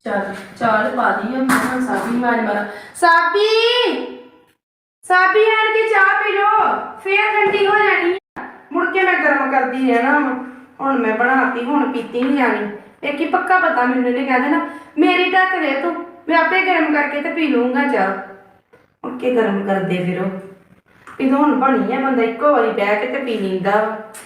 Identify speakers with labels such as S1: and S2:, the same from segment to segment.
S1: चल चाल पा दी है मैं साबी मार मारा साबी साबी आन के चाह पी लो फिर ठंडी हो जानी मुड़ के मैं गर्म कर दी है ना हुन मैं बनाती हुन पीती नहीं जानी एक ही पक्का पता मैंने ने कह देना मेरी ढक दे तू मैं आपे गर्म करके ते पी लूंगा चाह उठ के गर्म कर दे फिर ये तो हुन बनी है बंदा इको वारी बैठ के ते पी लींदा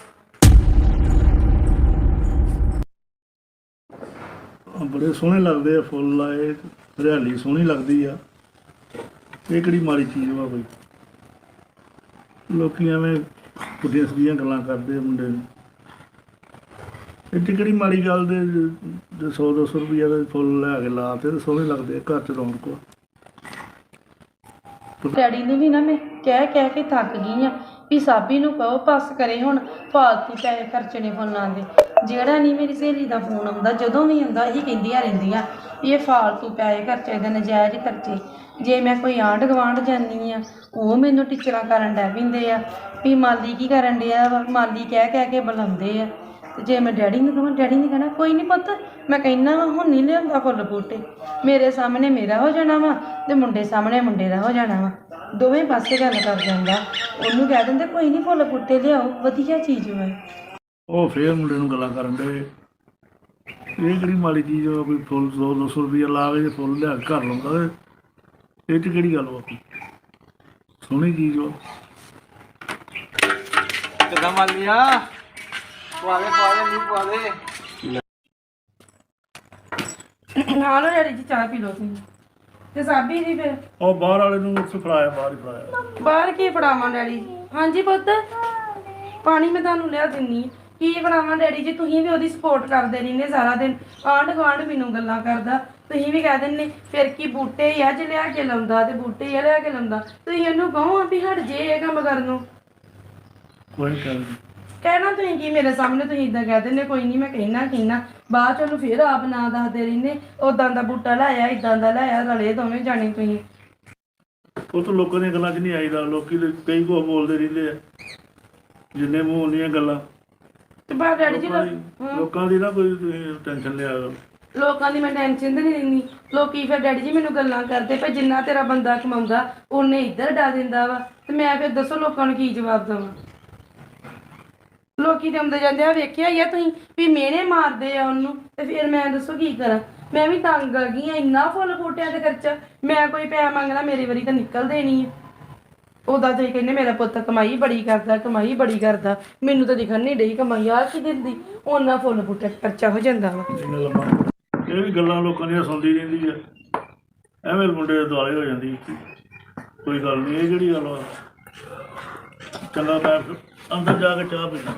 S2: बड़े सोहने लगते आ फुल लाए हरियाली सोहनी लगती आ ये किहड़ी माड़ी चीज़ वा कोई लोग एवें पुट्ठियां सिद्धियां गल्लां करदे मुंडे नूं एड्डी किहड़ी माड़ी गल दे 100-200 रुपया दे फुल लै के लाते ते सोहने लगदे घर च रौनक
S1: डैडी ने भी ना मैं कह के थक गई हाँ भी साबी नूं कहो बस करे हुण फालतू पैसे खर्चने फोनां दे ਜਿਹੜਾ नहीं मेरी सहेली का फोन आउंदा जदों भी आउंदा ਇਹੀ ਕਹਿੰਦੀਆਂ ਰਹਿੰਦੀਆਂ ਇਹ ਫਾਲਤੂ ਪੈਸੇ ਖਰਚੇ ਦੇ ਨਜਾਇਜ਼ ਖਰਚੇ ਜੇ ਮੈਂ ਕੋਈ ਆਂਢ ਗਵਾਂਢ ਜਾਂਦੀ ਆ ਉਹ ਮੈਨੂੰ ਟੀਚਰਾਂ ਕਰਨ ਡੈ ਪੈਂਦੇ ਆ ਵੀ ਮਾਲੀ ਕੀ ਕਰਨ ਡਿਆ ਵਾ ਮਾਲੀ ਕਹਿ ਕੇ ਬੁਲਾਉਂਦੇ ਆ ਤੇ ਜੇ ਮੈਂ ਡੈਡੀ ਨੂੰ ਕਹਾਂ ਡੈਡੀ ਨੇ ਕਹਿਣਾ ਕੋਈ ਨਹੀਂ ਪੁੱਤ ਮੈਂ ਕਹਿਣਾ ਵਾ ਹੁਣ ਨਹੀਂ ਲਿਆਉਂਦਾ ਫੁੱਲ ਬੂਟੇ ਮੇਰੇ ਸਾਹਮਣੇ ਮੇਰਾ ਹੋ ਜਾਣਾ ਵਾ ਤੇ ਮੁੰਡੇ ਸਾਹਮਣੇ ਮੁੰਡੇ ਦਾ ਹੋ ਜਾਣਾ ਵਾ ਦੋਵੇਂ ਪਾਸੇ ਗੱਲ ਕਰ ਜਾਂਦਾ ਉਹਨੂੰ ਕਹਿ ਦਿੰਦੇ ਕੋਈ ਨਹੀਂ ਫੁੱਲ ਬੂਟੇ ਲਿਆਓ ਵਧੀਆ ਚੀਜ਼ ਵਾ
S2: ਉਹ ਫੇਰ ਮੁੰਡੇ ਨੂੰ ਗੱਲਾਂ ਕਰਨ ਦੇ ਇਹ ਕਿਹੜੀ ਮਾੜੀ ਚੀਜ਼ ਵਾ ਕੋਈ ਫੁੱਲ 100-200 ਰੁਪਇਆ ਲਾ ਕੇ ਜੇ ਫੁੱਲ ਲਿਆ ਕੇ ਘਰ ਲਾਉਂਦਾ ਤੇ ਇਹ 'ਚ ਕਿਹੜੀ ਗੱਲ ਵਾ ਕੋਈ ਸੋਹਣੀ ਚੀਜ਼ ਵਾ
S3: ਕਿੱਦਾਂ ਮੰਨ ਲਿਆ ਪਵਾ ਦੇ ਨਹੀਂ ਪਵਾ ਦੇ
S1: ਨਾਲ ਡੈਡੀ ਜੀ ਚਾਹ ਪੀ ਲਓ ਤੁਸੀਂ ਤੇ ਸਾਬੀ ਜੀ ਫਿਰ
S2: ਉਹ ਬਾਹਰ ਵਾਲੇ ਨੂੰ ਉੱਥੇ ਫੜਾਇਆ ਬਾਹਰ ਹੀ ਫੜਾਇਆ
S1: ਬਾਹਰ ਕੀ ਫੜਾਵਾਂ ਡੈਡੀ ਜੀ ਹਾਂਜੀ ਪੁੱਤ ਪਾਣੀ ਮੈਂ ਤੁਹਾਨੂੰ ਲਿਆ ਦਿੰਨੀ ਕੀ ਬਣਾਵਾਂ ਡੈਡੀ ਜੀ ਤੁਸੀਂ ਵੀ ਉਹਦੀ ਸਪੋਰਟ ਕਰਦੇ ਰਹਿੰਦੇ ਸਾਰਾ ਦਿਨ ਆਂਢ ਗੁਆਂਢ ਮੈਨੂੰ ਗੱਲਾਂ ਕਰਦਾ ਤੁਸੀਂ ਵੀ ਕਹਿ ਦਿੰਦੇ ਫਿਰ ਕੀ ਬੂਟੇ ਹੀ ਆ ਜੇ ਲਿਆ ਕੇ ਲਾਉਂਦਾ ਤੇ ਬੂਟੇ ਹੀ ਆ ਲਿਆ ਕੇ ਲਾਉਂਦਾ ਤੁਸੀਂ ਉਹਨੂੰ ਕਹੋ ਵੀ ਹਟ ਜੇ ਇਹ ਕੰਮ ਕਰਨ ਨੂੰ
S2: ਕੋਈ ਗੱਲ
S1: ਕਹਿਣਾ ਤੁਸੀਂ ਕੀ ਮੇਰੇ ਸਾਹਮਣੇ ਤੁਸੀਂ ਇਦਾਂ ਕਹਿ ਦਿੰਦੇ ਕੋਈ ਨਹੀਂ ਮੈਂ ਕਹਿਣਾ ਬਾਅਦ ਚ ਉਹਨੂੰ ਫਿਰ ਆਪ ਨਾ ਦੱਸਦੇ ਰਹਿੰਦੇ ਉਦਾਂ ਦਾ ਬੂਟਾ ਲਾਇਆ ਇਦਾਂ ਦਾ ਲਾਇਆ ਰਲੇ ਦੋਵੇਂ ਜਾਣੇ ਤੁਸੀਂ
S2: ਉਹ ਤਾਂ ਲੋਕਾਂ ਦੀਆਂ ਗੱਲਾਂ 'ਚ ਨਹੀਂ ਆਈਦਾ ਲੋਕੀ ਕਈ ਕੁਝ ਬੋਲਦੇ ਰਹਿੰਦੇ ਆ ਜਿੰਨੇ ਮੂੰਹ ਉਨੀਆਂ ਗੱਲਾਂ
S1: ਤੇ ਬਾਹਰ ਡੈਡੀ ਜੀ
S2: ਲੋਕਾਂ ਦੀ ਨਾ ਕੋਈ ਟੈਨਸ਼ਨ ਲਿਆ ਕਰੋ
S1: ਲੋਕਾਂ ਦੀ ਮੈਂ ਟੈਨਸ਼ਨ ਤੇ ਨਹੀਂ ਲੈਂਦੀ ਲੋਕੀ ਫਿਰ ਡੈਡੀ ਜੀ ਮੈਨੂੰ ਗੱਲਾਂ ਕਰਦੇ ਪਏ ਜਿੰਨਾ ਤੇਰਾ ਬੰਦਾ ਕਮਾਉਂਦਾ ਉਹਨੇ ਇੱਧਰ ਡਾ ਦਿੰਦਾ ਵਾ ਤੇ ਮੈਂ ਫਿਰ ਦੱਸੋ ਲੋਕਾਂ ਨੂੰ ਕੀ ਜਵਾਬ ਦੇਵਾਂ ਲੋਕੀ ਤੇ ਆਉਂਦੇ ਜਾਂਦੇ ਆ ਵੇਖਿਆ ਹੀ ਆ ਤੁਸੀਂ ਵੀ ਮਿਹਣੇ ਮਾਰਦੇ ਆ ਉਹਨੂੰ ਤੇ ਫਿਰ ਮੈਂ ਦੱਸੋ ਕੀ ਕਰਾਂ ਮੈਂ ਵੀ ਤੰਗ ਆ ਗਈ ਆ ਇੰਨਾ ਫੁੱਲ ਬੂਟਿਆਂ ਤੇ ਖਰਚਾ ਮੈਂ ਕੋਈ ਪੈਸਾ ਮੰਗਣਾ ਮੇਰੇ ਵਾਰੀ ਤਾਂ ਨਿਕਲ ਦੇਣੀ ਆ ਉਹਦਾ ਤੁਸੀਂ ਕਹਿੰਦੇ ਮੇਰਾ ਪੁੱਤ ਕਮਾਈ ਬੜੀ ਕਰਦਾ ਮੈਨੂੰ ਤਾਂ ਦਿਖਣ ਨਹੀਂ ਡਈ ਕਮਾਈ ਆ ਕੀ ਦਿੰਦੀ ਉਹਨਾਂ ਫੁੱਲ ਬੂਟੇ ਖਰਚਾ ਹੋ ਜਾਂਦਾ ਵਾ
S2: ਇਹ ਵੀ ਗੱਲਾਂ ਲੋਕਾਂ ਦੀਆਂ ਸੁਣਦੀ ਰਹਿੰਦੀ ਆ ਐਵੇਂ ਮੁੰਡੇ ਦੇ ਦੁਆਲੇ ਹੋ ਜਾਂਦੀ ਕੋਈ ਗੱਲ ਨਹੀਂ ਇਹ ਜਿਹੜੀ ਗੱਲ ਵਾ ਚੰਗਾ ਮੈਂ ਅੰਦਰ ਜਾ ਕੇ ਚਾਹ ਪੀਣਾ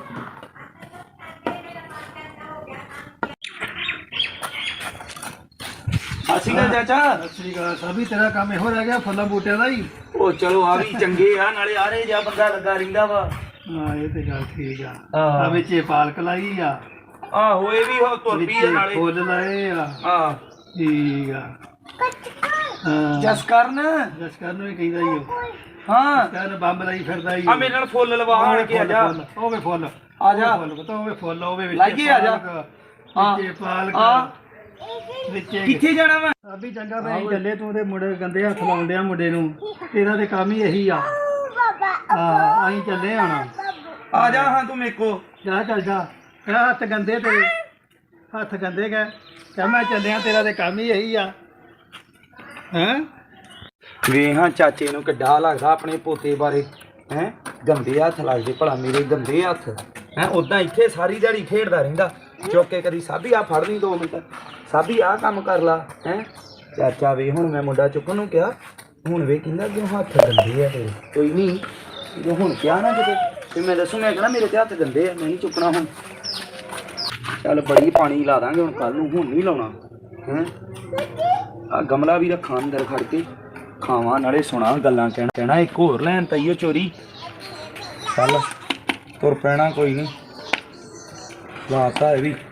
S3: ਅਸੀਂ ਕਾ ਚਾਚਾ
S4: ਸ੍ਰੀ ਅਕਾਲ ਸਾਬੀ ਤੇਰਾ ਕੰਮ ਇਹੋ ਰਹਿ ਗਿਆ ਫੁੱਲਾਂ ਬੂਟਿਆਂ ਦਾ ਹੀ
S3: ਉਹ ਚਲੋ ਆ ਵੀ ਚੰਗੇ ਆ ਨਾਲੇ ਆ ਰਹੇ ਜਾਂ ਬੰਦਾ ਲੱਗਾ ਰਹਿੰਦਾ ਵਾ
S4: ਹਾਂ ਇਹ ਤੇ ਗੱਲ ਠੀਕ ਆ
S3: ਹਾਂ।
S4: ਆ ਵਿੱਚ ਇਹ ਪਾਲਕ ਲਾਈ ਆ
S3: ਆਹੋ ਇਹ ਵੀ ਹੋ ਤੁਰ
S4: ਵਿੱਚ
S3: ਪਈ ਆ ਨਾਲੇ
S4: ਫੁੱਲ ਲਾਏ ਆ
S3: ਹਾਂ
S4: ਠੀਕ ਆ ਹਾਂ
S3: ਜਸ ਕਰਨ
S4: ਜਸਕਰ ਨੂੰ ਵੀ ਕਹਿੰਦਾ ਹੀ ਉਹ
S3: ਹਾਂ
S4: ਜਸਕਰ ਬੰਬ ਲਾਈ ਫਿਰਦਾ ਹੀ
S3: ਆ ਮੇਰੇ ਨਾਲ ਫੁੱਲ ਲਵਾ ਆਣ ਕੇ ਆ ਜਾ
S4: ਉਹ ਵੇ ਫੁੱਲ
S3: ਆ ਜਾ
S4: ਫੁੱਲ ਪਤਾ ਉਹ ਵੇ ਫੁੱਲ ਉਹ ਵੇ ਵਿੱਚ
S3: ਲਾਈਏ ਆ ਜਾ। ਹਾਂ।
S4: ਵਿੱਚ ਪਾਲਕ
S3: ਹਾਂ।
S4: ਵਿੱਚ
S3: ਕਿੱਥੇ ਜਾਣਾ ਵਾ
S4: ਸਾਬੀ ਚੰਗਾ ਮੈਂ ਚੱਲੇ ਤੂੰ ਤੇ ਮੁੰਡੇ ਗੰਦੇ ਹੱਥ ਲਾਉਂਦੇ ਆ ਮੁੰਡੇ ਨੂੰ ਤੇਰਾ ਤੇ ਕੰਮ ਹੀ ਇਹੀ ਆ ਹਾਂ ਅਸੀਂ ਚੱਲੇ ਹੁਣ
S3: ਆ ਜਾ ਹਾਂ ਤੂੰ ਮੇਰੇ ਕੋ
S4: ਜਾ ਚੱਲ ਜਾ ਇਹ ਹੱਥ ਗੰਦੇ ਤੇਰੇ ਹੱਥ ਗੰਦੇ ਗਏ ਕਹਿ ਮੈਂ ਚੱਲਿਆ ਤੇਰਾ ਤੇ ਕੰਮ ਹੀ ਇਹੀ ਆ ਹੈਂ
S3: ਵੇ ਹਾਂ ਚਾਚੇ ਨੂੰ ਕਿੱਡਾ ਲੱਗਦਾ ਆਪਣੇ ਪੋਤੇ ਬਾਰੇ ਹੈ ਗੰਦੇ ਹੱਥ ਲੱਗਦੇ ਭਲਾ ਮੇਰੇ ਗੰਦੇ ਹੱਥ ਹੈ ਉਦਾਂ ਇੱਥੇ ਸਾਰੀ ਦਿਹਾੜੀ ਖੇਡਦਾ ਰਹਿੰਦਾ ਚੁੱਕ ਕੇ ਕਦੀ ਸਾਬੀ ਆ ਫੜ ਲਈ 2 ਮਿੰਟ ਸਾਬੀ ਆ ਕੰਮ ਕਰ ਲਾ ਹੈ ਚਾਚਾ ਵੇ ਹੁਣ ਮੈਂ ਮੁੰਡਾ ਚੁੱਕਣ ਨੂੰ ਕਿਹਾ ਹੁਣ ਵੇ ਕਹਿੰਦਾ ਕਿ ਹੱਥ ਗੰਦੇ ਆ ਤੇਰੇ ਕੋਈ ਨਹੀਂ ਜੇ ਹੁਣ ਕਿਹਾ ਨਾ ਕਿਤੇ ਤੇ ਮੈਂ ਦੱਸੂ ਮੈਂ ਕਹਿੰਦਾ ਮੇਰੇ ਤੇ ਹੱਥ ਗੰਦੇ ਆ ਮੈਂ ਨਹੀਂ ਚੁੱਕਣਾ ਹੁਣ ਚੱਲ ਬੜੀ ਪਾਣੀ ਲਾ ਦਾਂਗੇ ਹੁਣ ਕੱਲ ਨੂੰ ਹੁਣ ਨਹੀਂ ਲਾਉਣਾ ਹੈ ਆ ਗਮਲਾ ਵੀ ਰੱਖਾਂ ਅੰਦਰ ਖੜ ਕੇ ਖਾਵਾਂ ਨਾਲੇ ਸੁਣਾ ਗੱਲਾਂ ਕਹਿਣਾ ਇੱਕ ਹੋਰ ਲੈਣ ਤਈਓ ਚੋਰੀ ਚੱਲ ਤੁਰ ਪੈਣਾ ਕੋਈ ਨਹੀਂ ਲਾਤਾ ਇਹ ਵੀ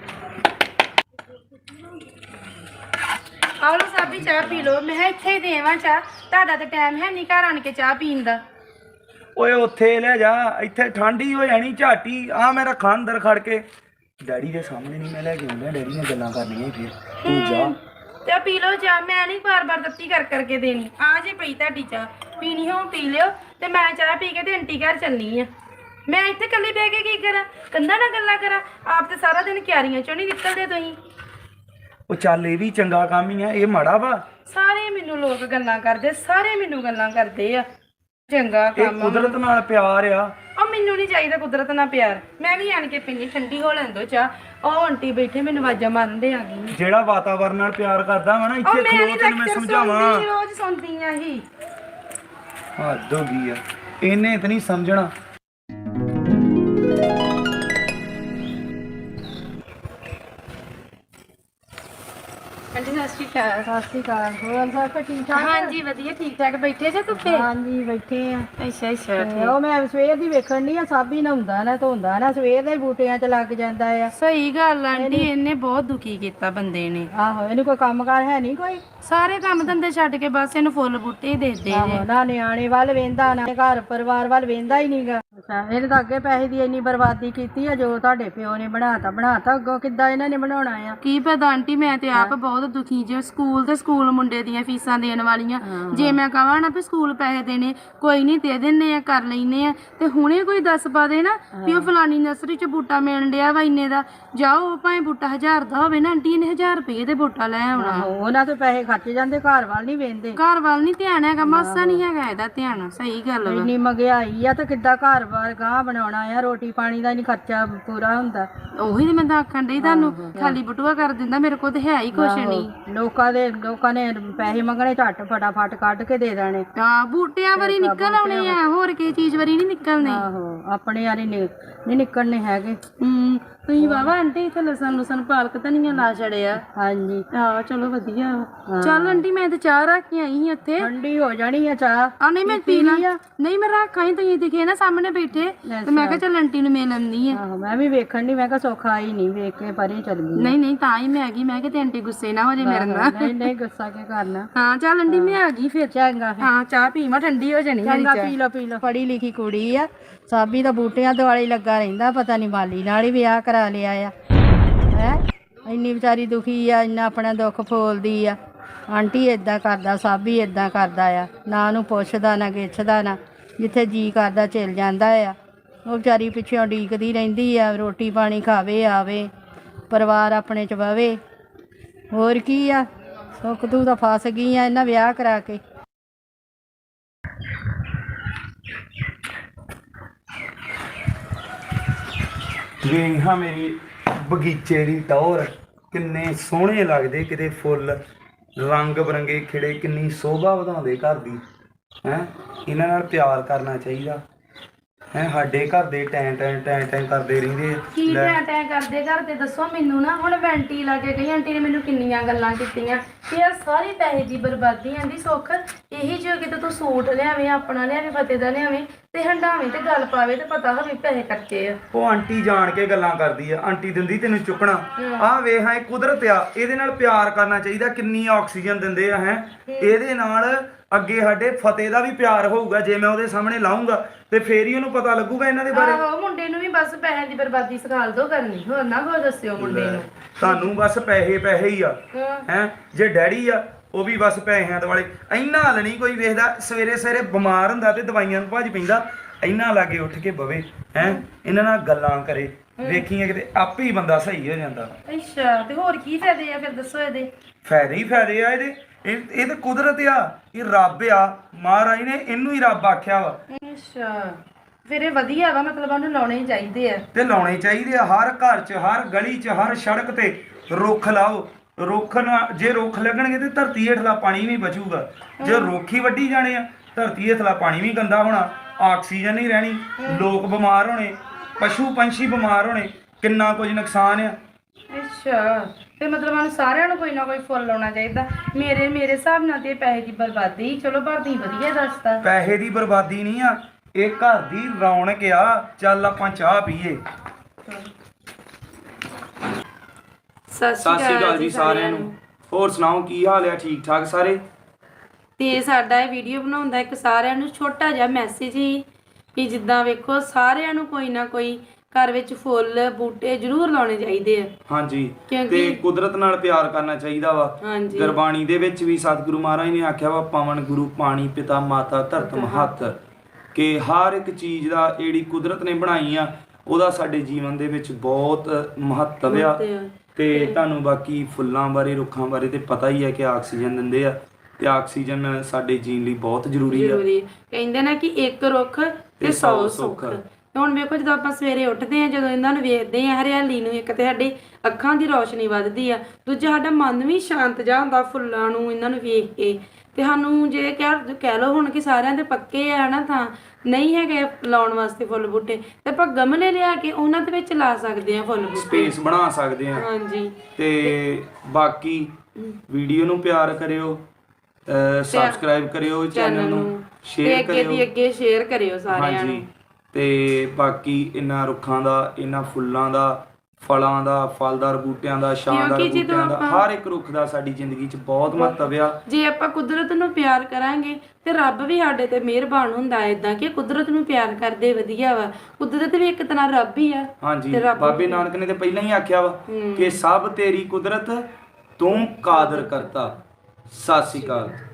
S1: ਆਹ ਲੋ ਸਾਬੀ ਚਾਹ ਪੀ ਲਓ ਮੈਂ ਇੱਥੇ ਹੀ ਦੇਵਾਂ ਚਾਹ ਤੁਹਾਡਾ ਤਾਂ ਟਾਈਮ ਹੈ ਨਹੀਂ ਘਰ ਆਣ ਕੇ ਚਾਹ ਪੀਣ ਦਾ
S3: ਓਏ ਉੱਥੇ ਲੈ ਜਾ ਇੱਥੇ ਠੰਡੀ ਹੋ ਜਾਣੀ ਝਾਟੀ ਆ ਮੈਂ ਰੱਖਾਂ ਅੰਦਰ ਖੜ ਕੇ ਡੈਡੀ ਦੇ ਸਾਹਮਣੇ ਨਹੀਂ ਮੈਂ ਲੈ ਕੇ ਆਉਂਦਾ ਡੈਡੀ ਨੇ ਗੱਲਾਂ ਕਰਨੀਆਂ ਫਿਰ ਤੂੰ ਜਾ
S1: ਤੇ ਆ ਪੀ ਲਓ ਚਾਹ, ਮੈਂ ਨਹੀਂ ਬਾਰ-ਬਾਰ ਤੱਤੀ ਕਰ ਕਰਕੇ ਦੇਣੀ। ਆ ਜੇ ਪਈ ਤੁਹਾਡੀ ਚਾਹ, ਪੀਣੀ ਹੋ ਪੀ ਲਿਓ ਤੇ ਮੈਂ ਚਾਹ ਪੀ ਕੇ ਤੇ ਆਂਟੀ ਘਰ ਚੱਲਣੀ ਆ। ਮੈਂ ਇੱਥੇ ਇਕੱਲੀ ਬਹਿ ਕੇ ਕੀ ਕਰਾਂ, ਕੰਧਾਂ ਨਾਲ ਗੱਲਾਂ ਕਰਾਂ? ਆਪ ਤੇ ਸਾਰਾ ਦਿਨ ਕਿਆਰੀਆਂ ਚੋਂ ਨਹੀਂ ਨਿਕਲਦੇ ਤੁਸੀਂ।
S3: ਉਹ ਚੱਲ ਇਹ ਵੀ ਚੰਗਾ ਕੰਮ ਹੀ ਆ, ਇਹ ਮਾੜਾ ਵਾ?
S1: ਸਾਰੇ ਮੈਨੂੰ ਲੋਕ ਗੱਲਾਂ ਕਰਦੇ, ਸਾਰੇ ਮੈਨੂੰ ਗੱਲਾਂ ਕਰਦੇ ਆ। ਚੰਗਾ
S3: ਇਹ
S1: ਕੰਮ ਆ।
S3: ਕੁਦਰਤ ਨਾਲ ਪਿਆਰ ਆ।
S1: ਉਹ ਮੈਨੂੰ ਨਹੀਂ ਚਾਹੀਦਾ ਕੁਦਰਤ ਨਾਲ ਪਿਆਰ, ਮੈਂ ਵੀ ਆਣ ਕੇ ਪੀਣੀ, ਠੰਡੀ ਹੋ ਲੈਣ ਦੋ ਚਾਹ। ਉਹ ਆਂਟੀ ਬੈਠੇ ਮੈਨੂੰ ਆਵਾਜ਼ਾਂ ਮਾਰਦੇ ਆ ਗਈ।
S3: ਜਿਹੜਾ ਵਾਤਾਵਰਨ ਨਾਲ ਪਿਆਰ ਕਰਦਾ ਵਾ ਨਾ,
S1: ਉਹ
S3: ਇੱਥੇ
S1: ਮੈਂ
S3: ਖਲੋ
S1: ਨਹੀਂ
S3: ਤੈਨੂੰ ਮੈਂ
S1: ਲੈਕਚਰ
S3: ਸਮਝਾਵਾਂ।
S1: ਸੁਣਦੀ, ਰੋਜ਼ ਸੁਣਦੀ ਆ ਹੀ।
S3: ਹੱਦ ਹੋ ਗਈ ਆ, ਇਹਨੇ ਤਾਂ ਨਹੀਂ ਸਮਝਣਾ।
S1: ਆਂਟੀ ਸਤਿ ਸ਼੍ਰੀ ਅਕਾਲ।
S5: ਸਤਿ ਸ਼੍ਰੀ ਅਕਾਲ। ਹੋਰ ਸਭ ਠੀਕ ਠਾਕ?
S1: ਹਾਂਜੀ ਵਧੀਆ, ਠੀਕ ਠਾਕ। ਬੈਠੇ ਜੇ ਧੁੱਪੇ?
S5: ਹਾਂਜੀ ਬੈਠੇ ਆ।
S1: ਅੱਛਾ ਅੱਛਾ
S5: ਤੇ ਉਹ ਮੈਂ ਸਵੇਰ ਦੀ ਵੇਖਣ ਦੀ ਆ, ਸਾਬੀ ਨਹਾਉਂਦਾ ਨਾ ਧੋਂਦਾ ਨਾ, ਸਵੇਰ ਦੇ ਬੂਟਿਆਂ 'ਚ ਲੱਗ ਜਾਂਦਾ ਆ।
S1: ਸਹੀ ਗੱਲ ਆਂਟੀ, ਇਹਨੇ ਬਹੁਤ ਦੁਖੀ ਕੀਤਾ ਬੰਦੇ ਨੇ।
S5: ਆਹੋ ਇਹਨੂੰ ਕੋਈ ਕੰਮਕਾਰ ਹੈ ਨਹੀਂ ਕੋਈ।
S1: ਸਾਰੇ ਕੰਮ ਧੰਦੇ ਛੱਡ ਕੇ ਬਸ ਇਹਨੂੰ ਫੁੱਲ ਬੂਟੇ ਹੀ ਦੇ ਦੇ
S5: ਆਹੋ ਨਾ ਨਿਆਣੇ ਵੱਲ ਵੇਂਦਾ ਨਾ ਘਰ ਪਰਿਵਾਰ ਵੱਲ ਵੇਂਦਾ ਹੀ ਨਹੀਂਗਾ। ਅੱਛਾ ਇਹਨੇ ਤਾਂ ਅੱਗੇ ਪੈਸੇ ਦੀ ਇੰਨੀ ਬਰਬਾਦੀ ਕੀਤੀ ਆ, ਜੋ ਤੁਹਾਡੇ ਪਿਓ ਨੇ ਬਣਾਤਾ ਅੱਗੋਂ ਕਿੱਦਾਂ ਇਹਨਾਂ ਨੇ ਬਣਾਉਣਾ ਆ?
S1: ਕੀ ਪਤਾ ਆਂਟੀ, ਮੈਂ ਤੇ ਆਪ ਬਹੁਤ ਦੁਖੀ ਜੇ। ਸਕੂਲ ਮੁੰਡੇ ਦੀਆਂ ਫੀਸਾਂ ਦੇਣ ਵਾਲੀਆਂ, ਜੇ ਮੈਂ ਕਹਾਂ ਨਾ ਵੀ ਸਕੂਲ ਪੈਸੇ ਦੇਣੇ, ਕੋਈ ਨਹੀਂ ਦੇ ਦਿੰਨੇ ਆ, ਕਰ ਲੈਨੇ ਆ। ਤੇ ਹੁਣੇ ਕੋਈ ਦੱਸ ਪਾ ਦੇ ਨਾ ਵੀ ਉਹ ਫਲਾਨੀ ਨਰਸਰੀ 'ਚ ਬੂਟਾ ਮਿਲਣ ਡਿਆ ਵਾ ਇੰਨੇ ਦਾ, ਜਾਓ ਭਾਵੇਂ ਬੂਟਾ 1000 ਦਾ ਹੋਵੇ ਨਾ, ਆਂਟੀ ਨੇ 1000 ਰੁਪਏ ਦੇ ਬੂਟਾ ਲੈ ਆਉਣਾ।
S5: ਉਹਨਾਂ ਤੇ ਪੈਸੇ ਖਰਚ ਜਾਂਦੇ, ਘਰ ਵੱਲ ਨਹੀਂ ਵੇਂਦੇ।
S1: ਘਰ ਵੱਲ ਨਹੀਂ ਧਿਆਨ ਹੈਗਾ, ਮਾਸਾ ਨਹੀਂ ਹੈਗਾ ਇਹਦਾ ਧਿਆਨ। ਸਹੀ ਗੱਲ ਵਾ।
S5: ਇੰਨੀ ਮਹਿੰਗਾਈ ਆ ਤੇ ਕਿੱਦਾਂ ਘਰ ਬਾਰ ਗਾਂ ਬਣਾਉਣਾ ਆ? ਰੋਟੀ ਪਾਣੀ ਦਾ ਨਹੀਂ ਖਰਚਾ ਪੂਰਾ ਹੁੰਦਾ।
S1: ਉਹੀ ਤੇ ਮੈਂ ਤਾਂ ਆਖਣ ਡਈ ਤੁਹਾਨੂੰ, ਖਾਲੀ ਬਟੂਆ ਕਰ ਦਿੰਦਾ, ਮੇਰੇ ਕੋਲ ਤੇ ਹੈ ਹੀ ਕੁਛ ਨਹੀਂ।
S5: ਲੋਕਾਂ ਨੇ ਪੈਸੇ ਮੰਗਣੇ, ਝੱਟ ਫਟਾਫਟ ਕੱਢ ਕੇ ਦੇ ਦੇਣੇ।
S1: ਹਾਂ ਬੂਟਿਆਂ ਵਾਰੀ ਨਿਕਲ ਆਉਣੇ ਆ, ਹੋਰ ਕਿਸੇ ਚੀਜ਼ ਵਾਰੀ ਨਹੀਂ ਨਿਕਲਣੇ।
S5: ਆਹੋ ਆਪਣੇ ਵਾਲੀ ਨਹੀਂ ਨਿਕਲਣੇ ਹੈਗੇ।
S1: ਤੁਸੀਂ ਵਾਵਾ ਆਂਟੀ ਇੱਥੇ ਲਸਣ ਪਾਲਕ ਧਨੀਆ ਲਾ ਛੜਿਆ।
S5: ਹਾਂਜੀ
S1: ਆਹ ਚਲੋ ਵਧੀਆ। ਚੱਲ ਆਂਟੀ ਮੈਂ ਤੇ ਚਾਹ ਰੱਖ ਕੇ ਆਈ ਹਾਂ ਇੱਥੇ।
S5: ਠੰਡੀ ਹੋ ਜਾਣੀ ਆ ਚਾਹ।
S1: ਆ ਨਹੀਂ ਮੈਂ ਪੀ ਲਾਂ। ਨਹੀਂ ਮੈਂ ਰੱਖਾਂ ਹੀ, ਤੁਸੀਂ ਦਿਖੇ ਨਾ ਸਾਹਮਣੇ ਬੈਠੇ ਤੇ ਮੈਂ ਕਿਹਾ ਚੱਲ ਆਂਟੀ ਨੂੰ ਮਿਲ ਆਉਂਦੀ ਆ।
S5: ਆਹੋ ਮੈਂ ਵੀ ਵੇਖਣ ਦੀ, ਮੈਂ ਕਿਹਾ ਸੌਖਾ ਹੀ ਨਹੀਂ, ਵੇਖ ਕੇ ਪਰੇ ਚੱਲ ਗਈ।
S1: ਨਹੀਂ ਤਾਂ ਹੀ ਮੈਂ ਆ ਗਈ। ਮੈਂ ਕਿਹਾ ਤੇ ਆਂਟੀ ਗੁੱਸੇ ਨਾ ਹੋ ਜੇ ਮੇਰੇ ਨਾਲ।
S5: ਨਹੀਂ ਗੁੱਸਾ ਕੀ ਕਰਨਾ।
S1: ਹਾਂ ਚੱਲ ਆਂਟੀ ਮੈਂ ਆ ਗਈ ਫਿਰ।
S5: ਚੰਗਾ
S1: ਹਾਂ ਚਾਹ ਪੀਵਾਂ, ਠੰਡੀ ਹੋ ਜਾਣੀ।
S5: ਚੰਗਾ ਪੀ ਲਓ। ਪੜ੍ਹੀ ਲਿਖੀ ਕੁੜੀ ਆ, ਸਾਬੀ ਦਾ ਬੂਟਿਆਂ ਦੁਆਲੇ ਲੱਗਾ ਰਹਿੰਦਾ, ਪਤਾ ਨਹੀਂ ਮਾਲੀ ਨਾਲ ਹੀ ਵਿਆਹ ਕਰਾ ਲਿਆ ਆ। ਹੈ ਇੰਨੀ ਵਿਚਾਰੀ ਦੁਖੀ ਆ, ਇੰਨਾ ਆਪਣਾ ਦੁੱਖ ਫੋਲਦੀ ਆ। ਆਂਟੀ ਇਦਾਂ ਕਰਦਾ, ਸਾਬੀ ਇਦਾਂ ਕਰਦਾ ਆ, ਨਾ ਉਹਨੂੰ ਪੁੱਛਦਾ ਨਾ ਗਿੱਛਦਾ ਨਾ, ਜਿੱਥੇ ਜੀ ਕਰਦਾ ਚਲ ਜਾਂਦਾ ਆ। ਉਹ ਵਿਚਾਰੀ ਪਿੱਛੋਂ ਉਡੀਕਦੀ ਰਹਿੰਦੀ ਆ, ਰੋਟੀ ਪਾਣੀ ਖਾਵੇ, ਆਵੇ, ਪਰਿਵਾਰ ਆਪਣੇ 'ਚ ਬਵੇ। ਹੋਰ ਕੀ ਆ, ਸੁੱਖ ਤੂੰ ਤਾਂ ਫਸ ਗਈ ਆ ਇਹਨਾਂ ਵਿਆਹ ਕਰਾ ਕੇ।
S3: ਵੇਖਾਂ ਮੇਰੀ ਬਗੀਚੇ ਦੀ ਟੌਰ, ਕਿੰਨੇ ਸੋਹਣੇ ਲੱਗਦੇ, ਕਿਤੇ ਫੁੱਲ ਰੰਗ ਬਰੰਗੇ ਖਿੜੇ, ਕਿੰਨੀ ਸੋਭਾ ਵਧਾਉਂਦੇ ਘਰ ਦੀ। ਹੈ ਇਹਨਾਂ ਨਾਲ ਪਿਆਰ ਕਰਨਾ ਚਾਹੀਦਾ ਹੈ। ਸਾਡੇ ਘਰ ਦੇ ਟੈਂ ਕਰਦੇ ਰਹਿੰਦੇ।
S1: ਕੀ ਟੈਂ ਕਰਦੇ ਘਰ ਤੇ ਦੱਸੋ ਮੈਨੂੰ ਨਾ। ਹੁਣ ਮੈਂ ਆਂਟੀ ਲਾ ਕੇ ਗਈ, ਆਂਟੀ ਨੇ ਮੈਨੂੰ ਕਿੰਨੀਆਂ ਗੱਲਾਂ ਕੀਤੀਆਂ ਕਿ ਯਾਰ ਸਾਰੀ ਪੈਸੇ ਦੀ ਬਰਬਾਦੀ। ਆਂਦੀ ਸੁੱਖ ਇਹੀ ਜੋ ਕਿਤੇ ਤੂੰ ਸੂਟ ਲਿਆਵੇਂ, ਆਪਣਾ ਲਿਆਵੇਂ, ਫਤਿਹ ਦਾ ਲਿਆਵੇਂ ਤੇ ਹੰਡਾਵੇਂ ਤੇ ਗੱਲ ਪਾਵੇ ਤੇ ਪਤਾ ਹੋਵੇ ਪੈਸੇ ਖਰਚੇ ਆ।
S3: ਉਹ ਆਂਟੀ ਜਾਣ ਕੇ ਗੱਲਾਂ ਕਰਦੀ ਆ, ਆਂਟੀ ਦਿੰਦੀ ਤੈਨੂੰ ਚੁੱਕਣਾ। ਆਹ ਵੇਖ ਹਾਂ, ਇਹ ਕੁਦਰਤ ਆ, ਇਹਦੇ ਨਾਲ ਪਿਆਰ ਕਰਨਾ ਚਾਹੀਦਾ। ਕਿੰਨੀ ਆਕਸੀਜਨ ਦਿੰਦੇ ਆ। ਹੈ ਇਹਦੇ ਨਾਲ ਅੱਗੇ ਸਾਡੇ ਫਤਿਹ ਦਾ ਵੀ ਪਿਆਰ ਹੋਊਗਾ। ਜੇ ਮੈਂ ਉਹਦੇ ਸਾਹਮਣੇ ਲਾਉਂਗਾ ਤੇ ਫੇਰ ਹੀ ਉਹਨੂੰ ਪਤਾ ਲੱਗੂਗਾ ਇਹਨਾਂ ਦੇ ਬਾਰੇ।
S1: ਆਹੋ ਮੁੰਡੇ ਨੂੰ ਵੀ ਬਸ ਪੈਸੇ ਦੀ ਬਰਬਾਦੀ ਸਿਖਾਲ ਦੋ ਕਰਨੀ, ਹੋਰ ਨਾ ਕੋਈ ਦੱਸਿਓ ਮੁੰਡੇ ਨੂੰ।
S3: ਤੁਹਾਨੂੰ ਬਸ ਪੈਸੇ ਹੀ ਆ। ਹੈ ਜੇ ਡੈਡੀ ਆ ਉਹ ਵੀ ਬਸ ਪੈਸਿਆਂ ਦੇ ਵਾਲੇ। ਇੰਨਾ ਹਲ ਨਹੀਂ ਕੋਈ ਵੇਖਦਾ। ਸਵੇਰੇ ਬਿਮਾਰ ਹੁੰਦਾ ਤੇ ਦਵਾਈਆਂ ਨੂੰ ਭੱਜ ਪੈਂਦਾ, ਇੰਨਾ ਲਾਗੇ ਉੱਠ ਕੇ ਬਵੇ। ਹੈ ਇਹਨਾਂ ਨਾਲ ਗੱਲਾਂ ਕਰੇ, ਵੇਖੀਏ ਕਿਤੇ ਆਪੇ ਹੀ ਬੰਦਾ ਸਹੀ ਹੋ ਜਾਂਦਾ।
S1: ਅੱਛਾ ਤੇ ਹੋਰ ਕੀ ਫਾਇਦੇ ਆ ਫਿਰ ਦੱਸੋ ਇਹਦੇ?
S3: ਫਾਇਦੇ ਹੀ ਫਾਇਦੇ ਆ ਇਹਦੇ। ਇਹ ਤਾਂ ਕੁਦਰਤ ਆ, ਇਹ ਰੱਬ ਆ, ਮਹਾਰਾਜ ਨੇ ਇਹਨੂੰ ਹੀ ਰੱਬ ਆਖਿਆ ਵਾ।
S1: ਅੱਛਾ ਫਿਰ ਇਹ ਵਧੀਆ ਵਾ, ਮਤਲਬ ਉਹਨੂੰ ਲਾਉਣੇ ਹੀ ਚਾਹੀਦੇ ਆ।
S3: ਤੇ ਲਾਉਣੇ ਚਾਹੀਦੇ ਆ। ਹਰ ਘਰ 'ਚ, ਹਰ ਗਲੀ 'ਚ, ਹਰ ਸੜਕ ਤੇ ਰੁੱਖ ਲਾਓ। ਰੁੱਖ ਨਾਲ ਜੇ ਰੁੱਖ ਲੱਗਣਗੇ ਤੇ ਧਰਤੀ ਹੇਠਲਾ ਪਾਣੀ ਵੀ ਬਚੂਗਾ। ਜੇ ਰੁੱਖ ਹੀ ਵੱਢੀ ਜਾਣੇ ਆ, ਧਰਤੀ ਹੇਠਲਾ ਪਾਣੀ ਵੀ ਗੰਦਾ ਹੋਣਾ, ਆਕਸੀਜਨ ਨਹੀਂ ਰਹਿਣੀ, ਲੋਕ ਬਿਮਾਰ ਹੋਣੇ, ਪਸ਼ੂ ਪੰਛੀ ਬਿਮਾਰ ਹੋਣੇ, ਕਿੰਨਾ ਕੁਝ ਨੁਕਸਾਨ ਆ।
S1: ਅੱਛਾ ਤੇ ਮਤਲਬ ਸਾਨੂੰ ਸਾਰਿਆਂ ਨੂੰ ਕੋਈ ਨਾ ਕੋਈ ਫੁੱਲ ਲਾਉਣਾ ਚਾਹੀਦਾ। ਮੇਰੇ ਹਿਸਾਬ ਨਾਲ ਤੇ ਪੈਸੇ ਦੀ ਬਰਬਾਦੀ। ਚਲੋ ਭਰਤੀ ਵਧੀਆ ਦੱਸਦਾ।
S3: ਪੈਸੇ ਦੀ ਬਰਬਾਦੀ ਨਹੀਂ ਆ, ਇਹ ਘਰ ਦੀ ਰੌਣਕ ਆ। ਚੱਲ ਆਪਾਂ ਚਾਹ ਪੀਏ।
S1: ਸਤਿ ਸ਼੍ਰੀ ਅਕਾਲ ਜੀ ਸਾਰਿਆਂ ਨੂੰ।
S3: ਹੋਰ ਸੁਣਾਓ, ਕੀ ਹਾਲ ਆ? ਠੀਕ ਠਾਕ ਸਾਰੇ?
S1: ਤੇ ਸਾਡਾ ਇਹ ਵੀਡੀਓ ਬਣਾਉਂਦਾ ਇੱਕ ਸਾਰਿਆਂ ਨੂੰ ਛੋਟਾ ਜਿਹਾ ਮੈਸੇਜ ਹੀ ਕਿ ਜਿੱਦਾਂ ਵੇਖੋ ਸਾਰਿਆਂ ਨੂੰ ਕੋਈ ਨਾ ਕੋਈ ਘਰ ਵਿੱਚ ਫੁੱਲ ਬੂਟੇ ਜ਼ਰੂਰ ਲਾਉਣੇ ਚਾਹੀਦੇ ਆ।
S3: ਹਾਂਜੀ
S1: ਕਿਉਂਕਿ-
S3: ਤੇ ਕੁਦਰਤ ਨਾਲ ਪਿਆਰ ਕਰਨਾ ਚਾਹੀਦਾ ਵਾ।
S1: ਹਾਂਜੀ
S3: ਗੁਰਬਾਣੀ ਦੇ ਵਿੱਚ ਵੀ ਸਤਿਗੁਰੂ ਮਹਾਰਾਜ ਨੇ ਆਖਿਆ ਵਾ ਪਵਨ ਗੁਰੂ ਪਾਣੀ ਪਿਤਾ ਮਾਤਾ ਧਰਤ ਮਹੱਤ, ਕਿ ਹਰ ਇੱਕ ਚੀਜ਼ ਦਾ ਜਿਹੜੀ ਕੁਦਰਤ ਨੇ ਬਣਾਈ ਆ ਉਹਦਾ ਸਾਡੇ ਜੀਵਨ ਦੇ ਵਿੱਚ ਬਹੁਤ ਮਹੱਤਵ ਆ। ਤੇ ਤੁਹਾਨੂੰ ਬਾਕੀ ਫੁੱਲਾਂ ਬਾਰੇ ਰੁੱਖਾਂ ਬਾਰੇ ਤੇ ਪਤਾ ਹੀ ਹੈ ਕਿ ਆਕਸੀਜਨ ਦਿੰਦੇ ਆ, ਤੇ ਆਕਸੀਜਨ ਸਾਡੇ ਜੀਣ ਲਈ ਬਹੁਤ ਜ਼ਰੂਰੀ ਆ।
S1: ਜ਼ਰੂਰੀ ਕਹਿੰਦੇ ਨੇ ਕਿ ਇੱਕ ਰੁੱਖ ਤੇ 100 ਸੁੱਖ। ਹੁਣ ਵੇਖੋ ਜਦੋਂ ਆਪਾਂ ਸਵੇਰੇ ਉੱਠਦੇ ਆ, ਜਦੋਂ ਇਹਨਾਂ ਨੂੰ ਵੇਖਦੇ ਆ ਹਰਿਆਲੀ ਨੂੰ, ਇੱਕ ਤੇ ਸਾਡੀ ਅੱਖਾਂ ਦੀ ਰੌਸ਼ਨੀ ਵੱਧਦੀ ਆ, ਦੂਜਾ ਸਾਡਾ ਮਨ ਵੀ ਸ਼ਾਂਤ ਜਿਹਾ ਹੁੰਦਾ ਫੁੱਲਾਂ ਨੂੰ ਇਹਨਾਂ ਨੂੰ ਵੇਖ ਕੇ। ਤੇ ਸਾਨੂੰ ਜੇ ਕਹਿ ਲਓ ਹੁਣ ਕਿ ਸਾਰਿਆਂ ਦੇ ਪੱਕੇ ਆ ਨਾ ਥਾਂ ਨਹੀਂ ਹੈਗੇ ਲਾਉਣ ਵਾਸਤੇ ਫੁੱਲ ਬੂਟੇ, ਤੇ ਆਪਾਂ ਗਮਲੇ ਲਿਆ ਕੇ ਉਹਨਾਂ ਦੇ ਵਿੱਚ ਲਾ ਸਕਦੇ ਆ ਫੁੱਲ ਬੂਟੇ,
S3: ਸਪੇਸ ਬਣਾ ਸਕਦੇ ਆ।
S1: ਹਾਂਜੀ
S3: ਤੇ ਬਾਕੀ ਵੀਡੀਓ ਨੂੰ ਪਿਆਰ ਕਰਿਓ, ਸਬਸਕ੍ਰਾਈਬ ਕਰਿਓ ਚੈਨਲ ਨੂੰ, ਸ਼ੇਅਰ ਕਰਿਓ,
S1: ਅੱਗੇ ਸ਼ੇਅਰ ਕਰਿਓ ਸਾਰਿਆਂ ਨੂੰ।
S3: ਹਾਂਜੀ ਤੇ ਬਾਕੀ ਇਹਨਾਂ ਰੁੱਖਾਂ ਦਾ, ਇਹਨਾਂ ਫੁੱਲਾਂ ਦਾ, ਫਲਾਂ ਦਾ, ਫਲਦਾਰ ਬੂਟਿਆਂ ਦਾ, ਛਾਂਦਾਰ ਬੂਟਿਆਂ ਦਾ, ਹਰ ਇੱਕ ਰੁੱਖ ਦਾ ਸਾਡੀ ਜ਼ਿੰਦਗੀ 'ਚ ਬਹੁਤ ਮਹੱਤਵ ਆ।
S1: ਜੇ ਆਪਾਂ ਕੁਦਰਤ ਨੂੰ ਪਿਆਰ ਕਰਾਂਗੇ ਤੇ ਰੱਬ ਵੀ ਸਾਡੇ ਤੇ ਮਿਹਰਬਾਨ ਹੁੰਦਾ ਹੈ। ਇਦਾਂ ਕਿ ਕੁਦਰਤ ਨੂੰ ਪਿਆਰ ਕਰਦੇ ਵਧੀਆ ਵਾ, ਕੁਦਰਤ ਵੀ ਇੱਕ ਤਰ੍ਹਾਂ ਰੱਬ ਹੀ ਆ।
S3: ਹਾਂਜੀ ਬਾਬੇ ਨਾਨਕ ਨੇ ਤੇ ਪਹਿਲਾਂ ਹੀ ਆਖਿਆ ਵਾ ਕਿ ਸਭ ਤੇਰੀ ਕੁਦਰਤ ਤੂੰ ਕਾਦਰ ਕਰਤਾ। ਸਤਿ ਸ਼੍ਰੀ ਅਕਾਲ।